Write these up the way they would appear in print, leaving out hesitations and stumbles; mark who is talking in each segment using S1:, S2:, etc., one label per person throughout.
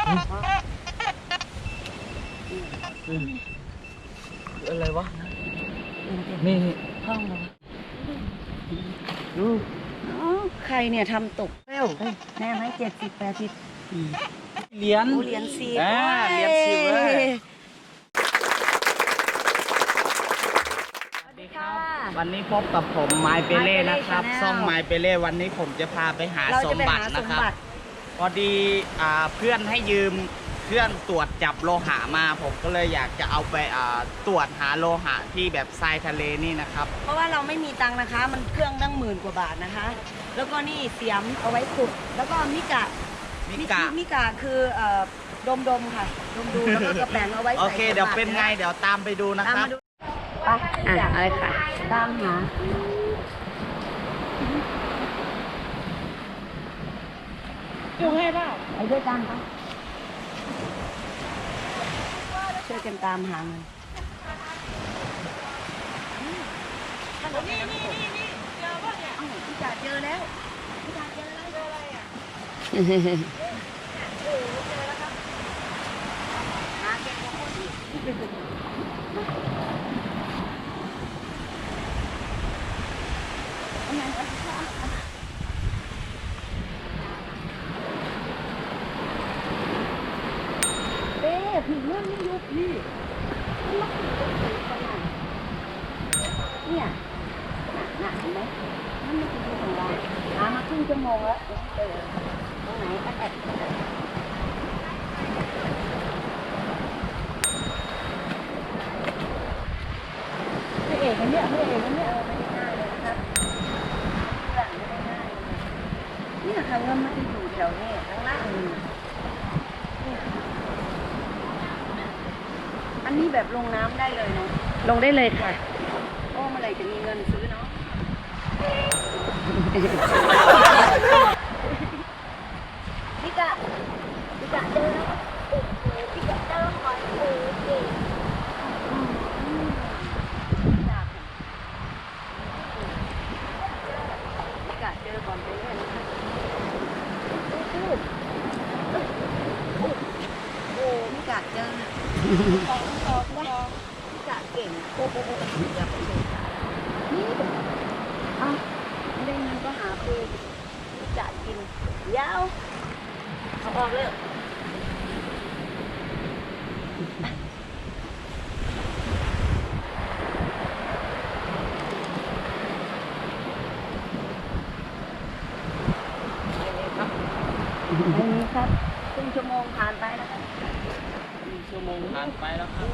S1: อะไรวะนี่ห้องเหรอดู
S2: ใครเนี่ยทำตกเร็วแน่ไหม70-80
S1: เหรียญ
S2: เหรียญ10
S1: เหรียญ10เลยวันนี้พบกับผมไมเปเล่นะครับซ่องไมเปเล่วันนี้ผมจะพาไปหาสมบัตินะครับพอดีเพื่อนให้ยืมเครื่องตรวจจับโลหะมาผมก็เลยอยากจะเอาไปตรวจหาโลหะที่แบบทรายทะเลนี่นะครับ
S2: เพราะว่าเราไม่มีตังค์นะคะมันเครื่องตั้ง10,000 กว่าบาทนะคะ แล้วก็นี่เสียมเอาไว้ขุดแล้วก็มิกะคือดมค่ะดมดูแล้วก็กระแปงเอาไว้ใส่
S1: โอเคเดี๋ยวเป็นไงเดี๋ยวตามไปดูนะครับ
S2: ไปอะไรค่ะตามหาอยู่ให้เปล่าไปด้วยกันค่ะช่วยกันตามหามันนี่เจอป่ะเนี่ยพี่จ๋าเจอแล้วพี่จ๋าเจออะไรอ่ะเจอแล้วครับหาเก็บของคนอีกผีเรื่องนี้ยุบพี่เนี่ยหนักเห็นไหมมันไม่กินของเราหามาครึ่งชั่วโมงแล้วเจอตรงไหนแอบไม่เอกกันเนี่ยไม่ได้ง่ายเลยนะครับเรื่องไม่ได้ง่ายเลยเนี่ยค่ะเงินมันจะอยู่แถวนี้ข้างล่างอันนี้แบบลงน้ำได้เลยเนาะลงได้เลยค่ะโอ้เมื่อไหร่จะมีเงินซื้อเนาะพี่กะเจอแล้วพี่กะเจอหอยปูจริงพี่กะเจอก่อนไปเรื่อยนะคะโอ้พี่กะเจอพี่กะเก่งโอ้อย่าไปสงสารนี่ไม่ได้เงินก็หาปูพี่กะกินยาวเอาออกเลยไม่มีครับครึ่งชั่วโมงผ่านไปแล้วครับ1 ชั่วโมง
S1: ผ่านไปแล้วครับ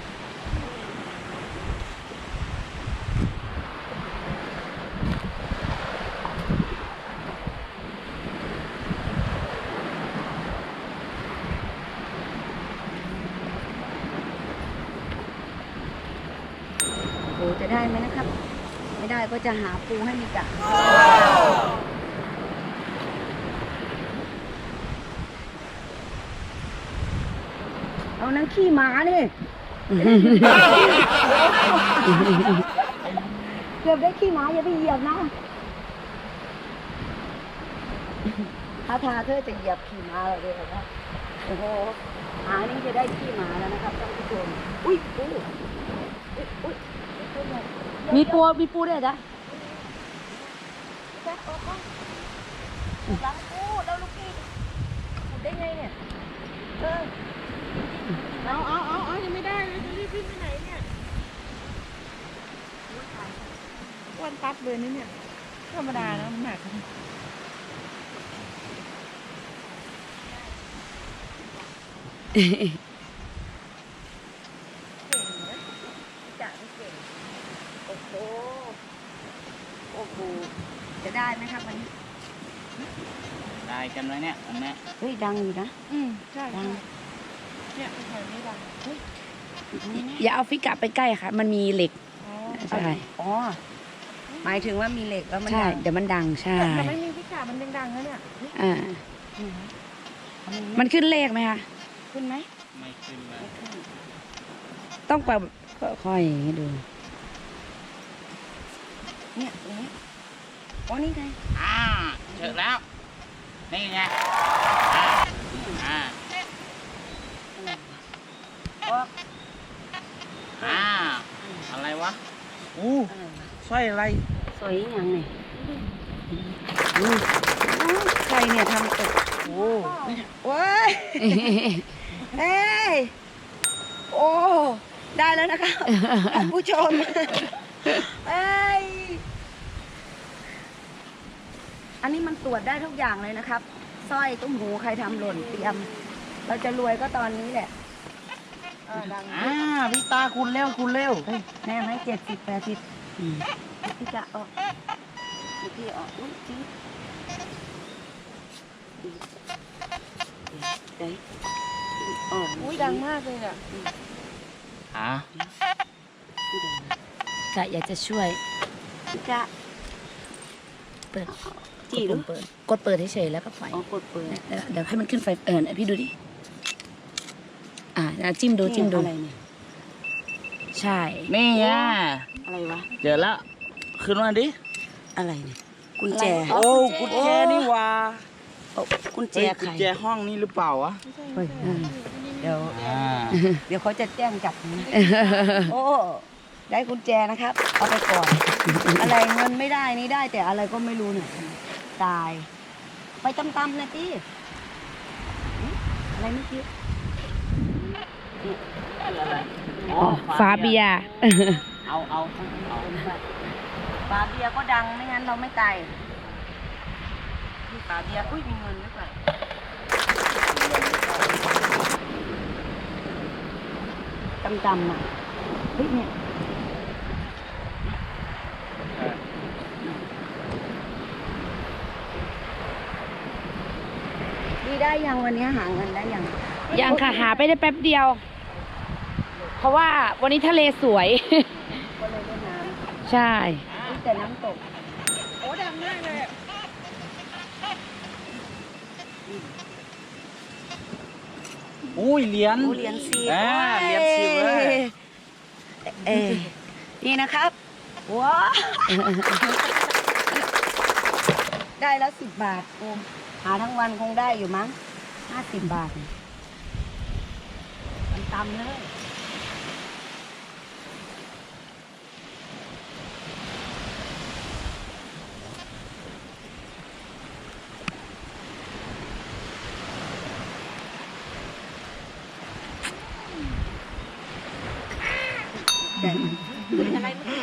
S2: โอ้จะได้ไหมนะครับไม่ได้ก็จะหาปูให้มีกะเอานั่งขี้หมาเนี่ยเกือบได้ขี้หมาอย่าไปเหยียบนะถ้าเธอจะเหยียบขี้หมาเลยนะโอ้โหหานี่จะได้ขี้หมาแล้วนะครับท่านผู้ชมอุ้ยปูมีปูด้วยจ้ะล้างปูแล้วลูกพี่ขุดได้ไงเนี่ย
S3: เอายังไม่ได้เลยจะรีบไปไหนเนี่ยอ้วนปั๊บเลยนี่เนี่ยธรรมดานะมันหนัก
S2: โอ้โหจะได้ไหมครับวันนี้
S1: ได้กันไหมเนี่ยอันนี้
S2: เฮ้ยดังอยู่นะ
S3: ใช่
S2: ดัง
S3: เนี่ยแถวนี้ดัง
S4: อย่าเอาฟิกะไปใกล้ค่ะมันมีเหล็กใช่
S2: อ๋อหมายถึงว่ามีเหล็กแล้วมัน
S4: ใช่เดี๋ยวมันดังใช่
S3: แต่ไม่มีพิกามันดังๆแล้วเนี่ย
S4: มันขึ้นเลขไหมคะ
S2: ขึ้นไหม
S1: ไม่ขึ้นเลย
S4: ต้องแบบค่อยให้ดู
S2: เนี่ยตรงนี้อ๋อนี่ไง
S1: เจอแล้วนี่ไงอู้สร้อยอะไร
S2: สวยอย่างนี่ใครเนี่ยทำตกโอ้ว้ายเฮ้ยโอ้ได้แล้วนะคะท่านผู้ชมเอ้ยอันนี้มันตรวจได้ทุกอย่างเลยนะครับสร้อยตุ้มหูใครทำหล่นเตรียม เราจะรวยก็ตอนนี้แหละดัง
S1: พี่ตาคุณเร็ว
S2: แม่ให้70-80พี่จะออกพี่ออกอุ้ยจิ๊บเดี๋ยวออก
S3: อุ้ยดังมากเลยอ่ะ
S4: กะอยากจะช่วย
S2: พี่จะ
S4: เปิด
S2: จีหรือ
S4: เปิดกดเปิดเฉยๆแล้วก็ปล่อย
S2: อ๋อกดเปิด
S4: เดี๋ยวให้มันขึ้นไฟพี่ดูดิจิ้มดู
S2: อะไรเนี่ย
S4: ใช่
S1: นี่อ่ะ
S2: อะไรวะ
S1: เจอแล้วขึ้นมาดิ
S2: อะไรเนี่ยกุญแจ
S1: โอ้กุญแจนี่ว่า
S2: กุญแจ
S1: กุ
S2: ใคร
S1: ญแจห้องนี่หรือเปล่าวะ
S2: เฮ้ยเดี๋ยวเขาจะแจ้งจับนะโอ้ได้กุญแจนะครับ เอาไปก่อน อะไรเงินไม่ได้นี่ได้แต่อะไรก็ไม่รู้เนี่ยตาย ไปตำๆนะตี้อะไรไม่คิด
S4: ฝาเบียร์
S1: เอา
S2: ฝาเบียร์ก็ดังไม่งั้นเราไม่ตายฝาเบียร์อุ้ยมีเงินด้วยก่อนตำๆอ่ะเฮ้ยเนี่ยดีได้ยังวันนี้หาเงินได้ยัง
S4: ยังค่ะหาไปได้แป๊บเดียว เพราะว่าวันนี้ทะเลสวย
S2: ก็เลยเล่นน้
S4: ใช่
S2: ำแต่น้ำตก
S3: โอ้ดังมากเลยอะ
S1: อุ้ยเหรียญ
S2: เหรียญ10
S1: เหรียญ10เลย
S2: นี่นะครับว้าได้แล้ว10 บาทโอมหาทั้งวันคงได้อยู่มั้ง50 บาทมันตำเลยอะไร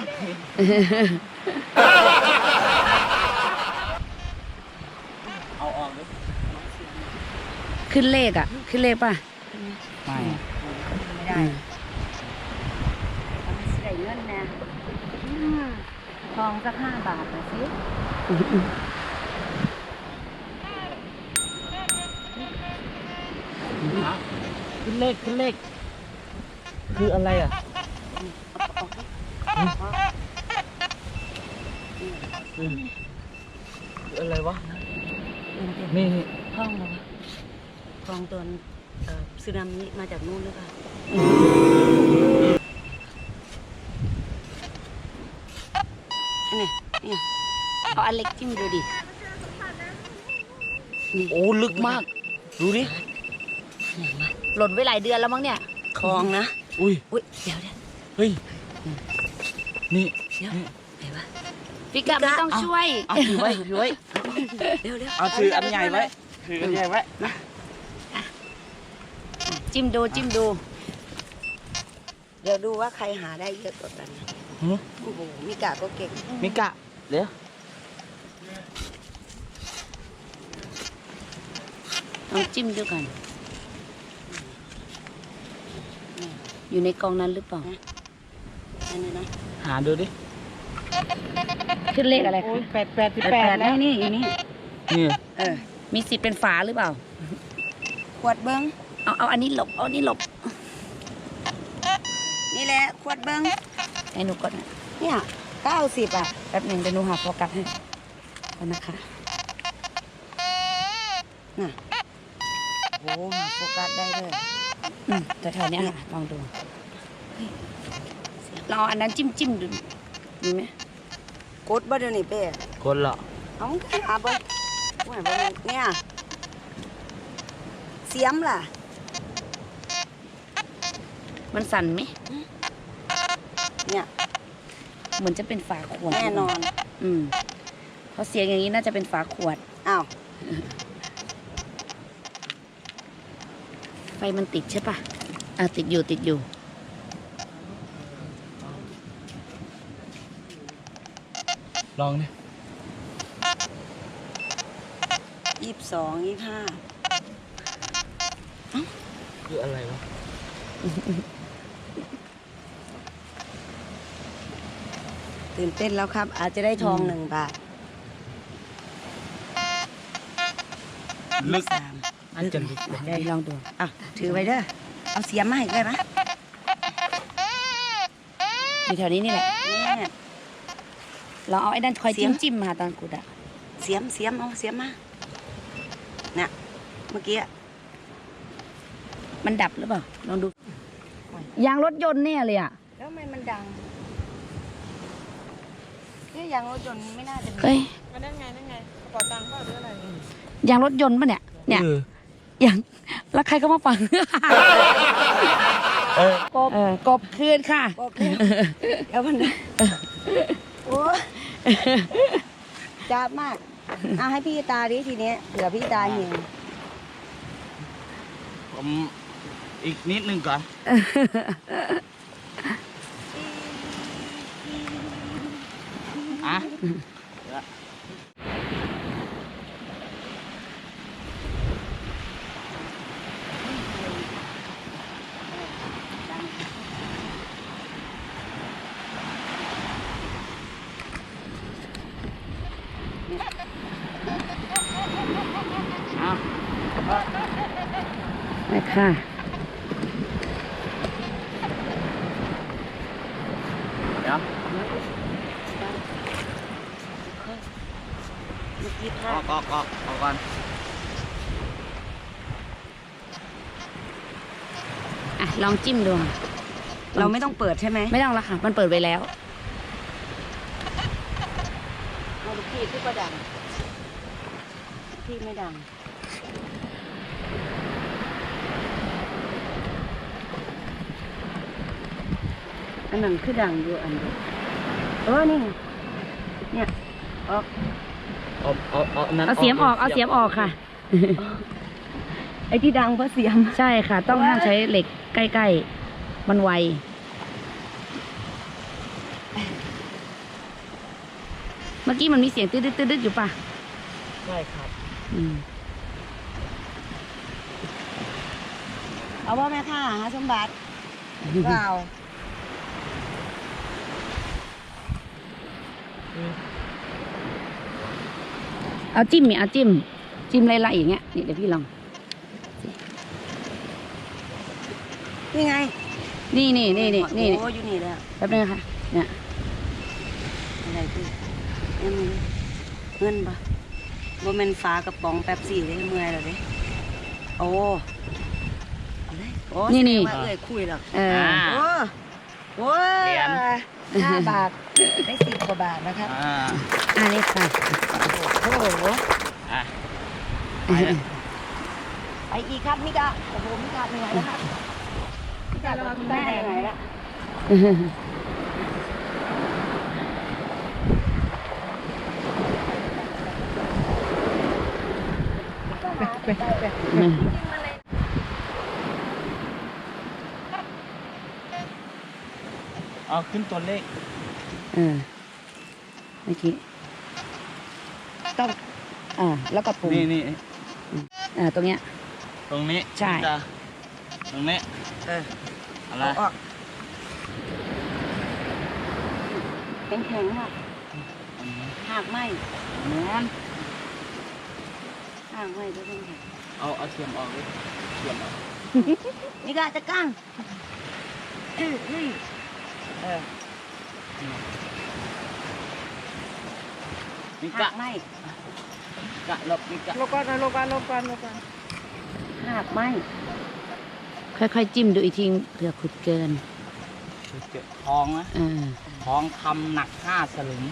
S1: เอาออกดิ
S4: ขึ้นเลขขึ้นเลขป่ะ
S1: ไม่
S2: ไม่ได้มันใส่เงินนะทองสัก5 บาทหน่อยสิ
S1: ขึ้นเลขคืออะไรอ่ะคืออะไรวะนี่
S2: ทองเหรอวะทองตัวสึนามิมาจากนู่นหรือเปล่าเนี่ย
S4: เอาอันเล็กจิ้มดูดิ
S1: โอ้ลึกมากดูดิ
S4: หล่นไว้หลายเดือนแล้วมั้งเนี่ย
S2: ทองนะ
S1: อุ้ย
S2: อุ้ยเดี๋ยว
S1: เฮ้ยนี่
S2: ไหนวะ
S4: พี่กะไม่ต้องช่วย
S1: เอาถือไว้
S2: เดี๋ยว
S1: เอาถืออันใหญ่ไว้ถืออันใหญ่ไว้
S4: จิ้มดู
S2: เดี๋ยวดูว่าใครหาได้เยอะกว่ากันโอ้โหมิกะก็เก่ง
S1: มิกะเดี๋ยว
S4: ลองจิ้มดูกัน อยู่ในกองนั้นหรือเปล่า
S2: อันนี้นะ
S1: หาดูดิ
S4: ขึ้นเลขอะไรคะ
S2: 8แล้วนี่อยู่นี่
S1: นี่
S4: มีสิทธิ์เป็นฝาหรือเปล่า
S2: ขวดเบิ้ง
S4: เอาอันนี้หลบ เอาอันนี้หลบ
S2: นี่แหละขวดเบิ้ง
S4: ให้หนูกดนะ
S2: เนี่ย90 อ่ะ
S4: แป๊บหนึ่งเดี๋ยวหนูหาโฟกัสให้ก่อนนะคะ
S2: น่ะโหหาโฟกัสได้เลย
S4: แถวๆเนี้ยค่ะลองดูลองเอาอันนั้นจิ้มดูมีไหม
S2: กดบ่เดี๋ยวนี้เป้
S1: คนละ
S2: เอาหาเบิ้งว่าเบิ้งเนี่ยเสียมล่ะ
S4: มันสั่นไหม
S2: เนี่ย
S4: เหมือนจะเป็นฝาขวด
S2: แน่นอน
S4: เพราะเสียงอย่างนี้น่าจะเป็นฝาขวด
S2: อ้าว
S4: ไฟมันติดใช่ปะติดอยู่
S1: ลองดิ
S2: 22 25
S1: คืออะไรวะ
S2: ตื่นเต้นแล้วครับ อาจจะได้ทอง1 บาท
S1: ลึก
S2: 3
S1: น่าจะลึก
S4: ได้ลองดู
S2: อ่ะถือไว้เด้อ เอาเสียมมาให้ได้ไหม
S4: อยู่แถวนี้นี่แหละ
S2: เนี่ย
S4: ลองเอาไอ้นั่นคอย
S2: เสียม
S4: จิ้มมาตอนกุดอะ
S2: เสียมเอาเสียมมาเนี่ยเมื่อกี้อะ
S4: มันดับหรือเปล่า ลองดู ยางรถยนต์เนี่ยเลยอะ
S2: แล้วทำไมมันดังเนี่ยยางรถยนต์ไม่น่าจะมี
S4: เฮ้ย
S3: อันนั้นไงกระเป๋าตังค์เปล่าหรืออะไร
S4: ยางรถยนต์ปะเนี่ย เนี่ยยางแล้วใครก็มาฟัง กบคืนค่ะ
S2: บอกเลยเดี๋ยวมันโอ้จ้าบมากเอาให้พี่ตาดิทีเนี้ยเผื่อพี่ตาเห็น
S1: ผมอีกนิดนึงก่อน อ่ะ อ่ะ
S4: ไปค่ะ
S1: เดี๋ยว
S2: เมื่อกี้พ
S1: อ
S2: ลา
S1: อ
S2: ด
S1: กก่อน
S4: ลองจิ้มดูค่ะ
S2: เราไม่ต้องเปิดใช่ไหม
S4: ไม่ต้องละค่ะ มันเปิดไว้แล้ว
S2: เอาลูกพี่ขึ้นก็ดังพี่ไม่ดังอันนั้นคือดังอยู่อันเดียวนี่ไงเนี่ยออก
S1: เอานั้น
S4: เอาเสียมออกค่ะ
S2: ไอ้ที่ดังเพราะเสียม
S4: ใช่ค่ะ ต้องห้ามใช้เหล็กใกล้ๆ มันไว เมื่อกี้มันมีเสียงตืดๆอยู่ป่ะ
S1: ใช่ครับ
S2: เอาว่าแม่ค่ะหาสมบัติเปล่า
S4: เอาจิ้มเนี่ยเอาจิ้มไล่ๆอย่างเงี้ยนี่เดี๋ยวพี่ลอง
S2: นี่ไง
S4: นี่
S2: โอ้อยู่นี่แล้ว
S4: แป๊บนึงค่ะ เนี่ย
S2: อะไรพี่เงินปะบ่แม่นฟ้ากระป๋องแป๊บซี่เลยเมื่อยแล้วเด้โอ้อะไรโอ้
S4: นี่
S2: แสดงว่าเอ้ยคุยแล้ว
S4: เออ
S2: โอ้ย
S1: เหรียญ
S2: 5 บาทได้10 กว่าบาทนะครับ
S4: อันนี้ค่ะ
S2: โอ้โห
S1: อ่ะ
S2: ไปอีกครับมิกาโอ้โหมิกาเหนื่อยแล้วครับมิกาเราคุณแม่เหนื่อยแล้วไป
S1: เอาขึ้นตัวเลข
S4: เมื่อกี้ต้องแล้วก็ปุ่ม
S1: นี่
S4: ตรงเนี้ย
S1: ตรงนี้
S4: ใช่
S1: ตรงนี้ อะไร
S2: เอาออกแข็งๆอ่ะหากไหม
S1: แม่น
S2: หากไหมก็ต้องแข็ง
S1: เอาเสียมออกเลยเสียมออก
S2: มิกาจะกั้ง
S1: นี่
S2: หากไหม
S1: กะลบนี่กะ
S3: ลบก่อน
S2: หากไหม
S4: ค่อยๆจิ้มดูอีกทีเผื่อขุดเกิน
S1: เก็บทองนะ
S4: อ่า
S1: ทองคำหนัก5 สลึง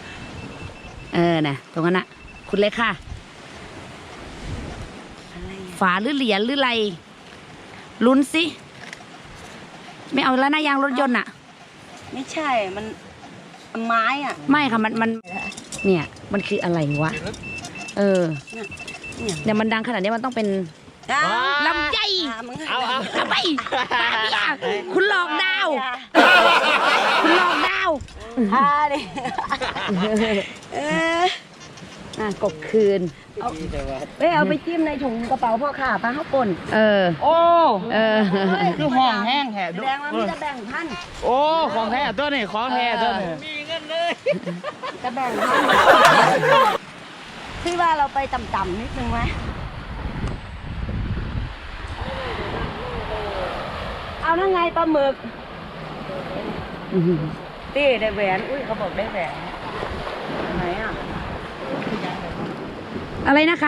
S4: น่ะ ตรงนั้นน่ะขุดเลยค่ะ
S2: อะไรอ่ะ
S4: ฝาหรือเหรียญหรืออะไรลุ้นสิไม่เอาแล้วนะยางรถยนต์อะ
S2: ไม่ใช่มันไม้อ่ะ
S4: ไม่ค่ะมันเนี่ยมันคืออะไรวะเออเนี่ยมันดังขนาดนี้มันต้องเป็นลำไย
S1: เอา
S4: ทำไมคุณหลอกดาว คุณหลอกดาว
S2: ดิ
S4: กบคืน
S2: เอาไปจิ้มในถุงกระเป๋าพ่อค่ะปลาข้าวป่น
S4: เออ
S1: โอ้
S4: เออ
S1: คือห้องแห้งแห่
S2: แสดงว่ามีจะแบ่งท่าน
S1: โอ้ของแท้ตัวนี้ของแท้ตัวนี้มีเงินเลย
S2: จะแบ่งท่านพี่ว่าเราไปต่ำๆนิดนึงไหมเอานั่งไงปลาหมึกตี้ได้แหวนอุ้ยเขาบอกได้แหวนไหนอ่ะ
S4: อะไรนะคะ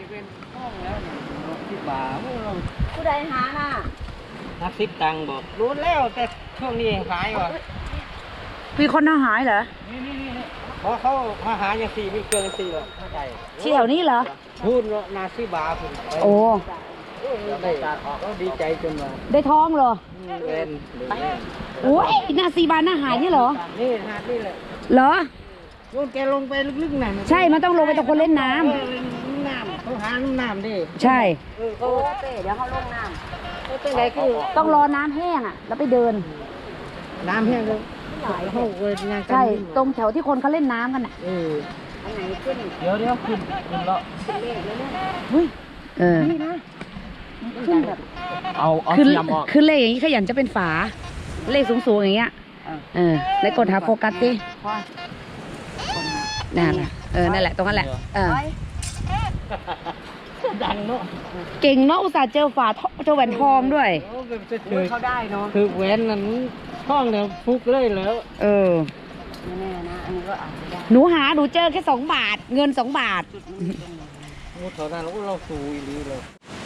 S2: ผู้ใดหาน่ะ
S1: นักซิปตังบอกรู้แล้วแต่ช่วงนี้ขายว่ะ
S4: มีคนหายเหรอ
S1: เพราะเขามาหาอย่างสี่ไม่เกินสี่หรอกเข้าใจ
S4: ที่แถวนี้เหรอ
S1: พูดนาซิบาคุณ
S4: โอ้
S1: ได้ตัดออกก็ดีใจจนว่า
S4: ได้ท้องเหรอ
S1: เว้น
S4: โอ้ยนาซีบานอาหารนี่เหรอ
S1: นี่หาดนี่แหละ
S4: เหรอ
S1: โยนแกลงไปลึกๆหน่อย
S4: ใช่ มันต้องลงไปตรงคนเล่นน้
S1: น้ำเขาหาน้ำดิ
S4: ำ ใช่
S2: โอ้เป้เดี๋ยวเขาลงน้
S1: ตั้งแต่คือ
S4: ต้องรอน้ำแห้งอ่ะ แล้วไปเดิน
S1: น้ำแห้งเลยเขาเว้นงานกัน
S4: ใช่ ตรงแถวที่คนเขาเล่นน้ำกันอ่ะ
S1: เออ
S2: ำอันไหนขึ้น
S1: เดี๋ยวขึ้นแล้ว
S4: เฮ้ย เออ
S2: ขึ้นแบบ
S1: เอา
S4: คือ
S1: เทียมออก
S4: คือเลขอย่างนี้ขยันจะเป็นฝา เลขสูงๆอย่างเงี้ย เออแล้วกดหาโฟกัสดินั่นแหละนั่นแหละ ตรงนั้นแหละ เออ
S1: ดังเนาะ
S4: เก่งเนาะ อุตส่าห์เจอฝาเจอแหวนทองด้วย
S2: เขาได้เนาะ
S1: คือแหวนนั้นช่องเนี่ยฟุกเลยแล้ว
S4: เออ
S2: ไม่แน่นะ อันนี้ก็อาจจะได้
S4: หนูเจอแค่2 บาท เงิน2 บาท
S1: โอ้เท่านั้นเราสูอีลีเลย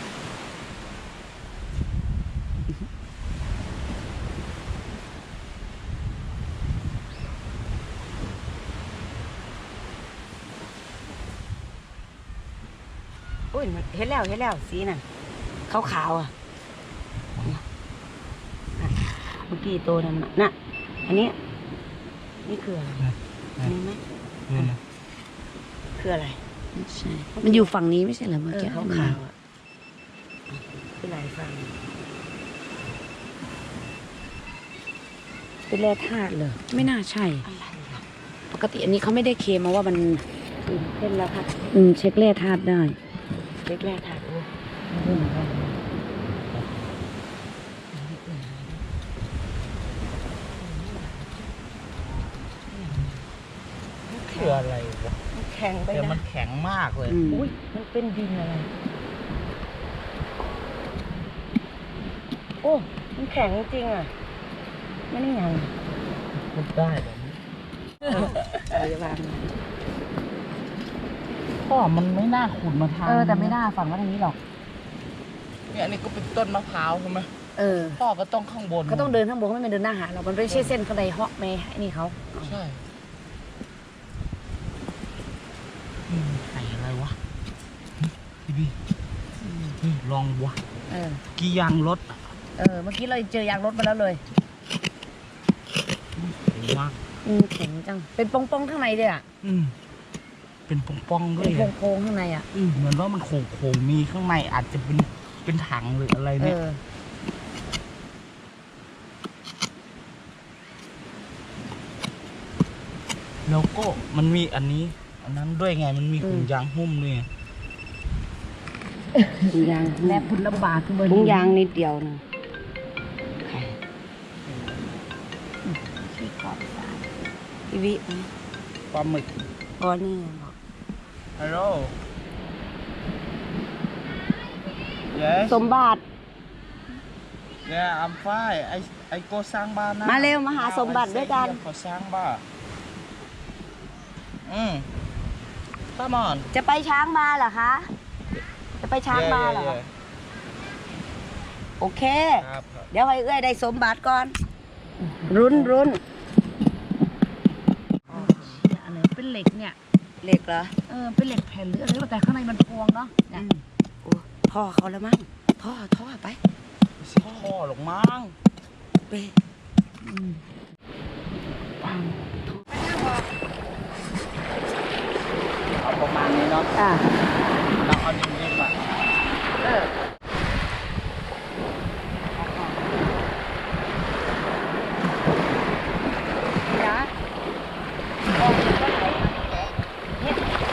S2: อุ้ยเห็นแล้วสีน่ะขาวๆอ่ะเมื่อกี้ตัวนั้นน่ะอันนี้นี่คืออะไรอันนี้ไหมคืออะไร
S4: ใช่ มันอยู่ฝั่งนี้ไม่ใช่เหรอเมื่อกี้
S2: ขาวๆอ่ะคืออะไรฟัง
S4: เป็นแร่ธาตุเหรอ ไม่น่าใช่
S2: อะไรอ่ะ
S4: ปกติอันนี้เขาไม่ได้เคลมมาว่ามัน
S2: เส้นแล้วค่ะ
S4: เช็คแร่ธาตุได้
S2: เล็กแรกถ่ายรูป
S1: คืออะไรวะ
S2: แข็งไป
S1: แต่มั
S2: นะ
S1: นแข็งมากเลย
S2: อุ้ยมันเป็นดินอะไร โอ้ มันแข็งจริงอ่ะ ไม่ได้ยัง
S1: พูดได้แบบนี้
S2: พยาบาล
S1: พ่อมันไม่น่าขุดมาทาง
S4: แต่ไม่น่าฝั่งว่าทางนี้หรอก
S1: เนี่ยอันนี้ก็เป็นต้นมะพร้าวใช่ไหม
S4: อ
S1: พ่อก็ต้องข้างบน
S4: ก็ต้องเดินข้างบนเขาไม่เดินหน้าหาเรา มันไม่ใช่เส้นข้างในฮอกเมย์ไอ้นี่เขา
S1: ใช่ไข่อะไรวะพี่ลองวะกี่ยางรถ
S4: เมื่อกี้เราเจอยางรถมาแล้วเลย
S1: มาก
S4: แข็งจัง เป็นปองๆข้างในเลยอ่ะ
S1: เป็นป่องๆด้ว
S4: เป็
S1: ย
S4: นโค้งๆข้างในอ่ะ
S1: เหมือนว่ามันโค้งๆมีข้างในอาจจะเป็นถังหรืออะไรเนี่ยแล้วก็มันมีอันนั้นด้วยไงมันมีถุงยางหุ้มด้วยไง
S2: ถุงยาง
S4: และผุนลำบากคือเบอร์
S2: ถุงยางนิดเดียวนะพี่วิ
S1: ปลาหมึก
S2: อ๋อนี่บอก
S1: ฮัลโหล yes
S2: สมบัติ
S1: yeah I'm fine I go สร้างบ้านนะ
S2: มาเร็วมาหาสมบัติด้วยกัน
S1: ขอสร้างบ้านcome on
S2: จะไปช้างมาเหรอคะ จะไปช้างมาเหรอ
S1: Yeah.
S2: โอเค
S1: ครับ
S2: เดี๋ยวให้เอื้อยได้สมบัติก่อน รุน
S4: อะไรเป็นเหล็กเนี่ย
S2: เหล็กเหรอ
S4: เป็นเหล็กแผ่นหรืออะไรแต่ข้างในมันพวงเนาะเนี่ย
S2: โอ้พท่อเขาแล้วมั้งท่อไป
S1: พ่อหลงมั้ง
S2: ไป
S1: เอาประมาณนี้เนาะ
S2: อ่ะ
S1: เราเอานิ่มๆอ่ะ
S2: เออนะออกก็ไหลเนี่ย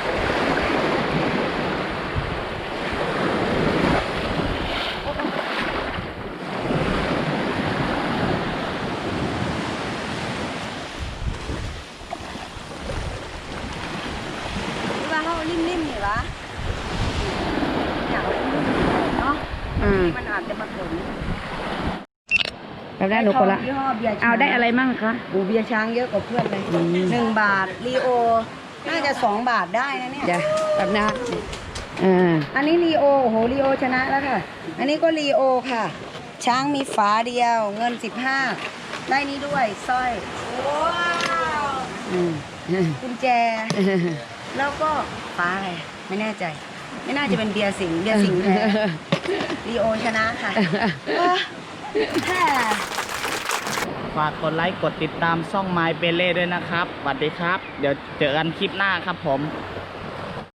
S2: ว่าเขานิ่มๆนี่วะอยากเอานิ่มๆเนาะ
S4: อืม
S2: มันอาจจะมาถึง
S4: แบบได้หนูคนละ
S2: ยี่ห้อเบียร์ช้าง
S4: เอาได้อะไรมั่งคะ
S2: อูเบียร์ช้างเยอะกว่าเพื่อนเลย1 บาทลีโอน่าจะ2 บาทได้นะเนี่ย
S4: เดี๋ยวแบบนะ
S2: อันนี้ลีโอโอ้โหลีโอชนะแล้วค่ะ อันนี้ก็ลีโอค่ะ ช้างมีฝาเดียวเงิน15ได้นี้ด้วยสร้อยว้าวกุญแจ แล้วก็ฟ้าอะไรไม่แน่ใจ ไม่น่าจะเป็นเบียร์สิงห์แท้ลีโอชนะค่ะแค่
S1: ฝากกดไลค์กดติดตามช่องไมเปเล่ด้วยนะครับสวัสดีครับ เดี๋ยวเจอกันคลิปหน้าครับผม